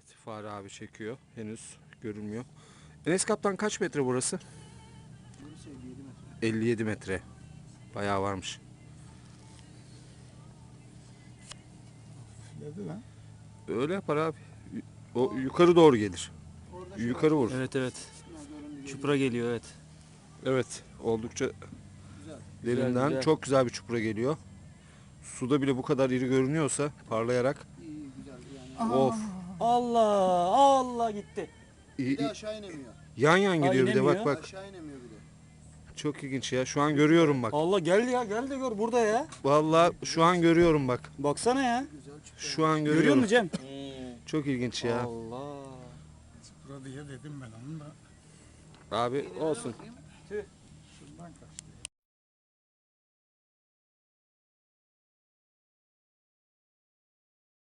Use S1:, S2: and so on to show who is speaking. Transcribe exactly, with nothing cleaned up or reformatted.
S1: Fare abi çekiyor. Henüz görünmüyor. Enes Kaptan kaç metre burası? elli yedi metre. Bayağı varmış.
S2: Dedi lan.
S1: Öyle yapar abi. O yukarı doğru gelir. Yukarı vur.
S3: Evet evet. Çupra geliyor evet.
S1: Evet. Oldukça
S3: Güzel,
S1: derinden
S3: güzel.
S1: çok güzel bir çupra geliyor. Suda bile bu kadar iri görünüyorsa parlayarak. Of.
S3: Allah Allah gitti.
S1: İyi,
S4: Bir de
S1: iyi.
S4: aşağı inemiyor.
S1: Yan yan gidiyor bir de bak
S3: inemiyor.
S1: bak.
S4: Aşağı inemiyor bir de.
S1: Çok ilginç ya. Şu an görüyorum bak.
S3: Allah gel ya gel de gör burada ya.
S1: Vallahi şu an görüyorum bak.
S3: Baksana ya.
S1: Şu an
S3: Görüyor
S1: görüyorum.
S3: musun Cem?
S1: Çok ilginç ya.
S3: Allah.
S2: Çupra diye dedim ben onu da.
S1: Abi olsun.
S2: Şundan kaç.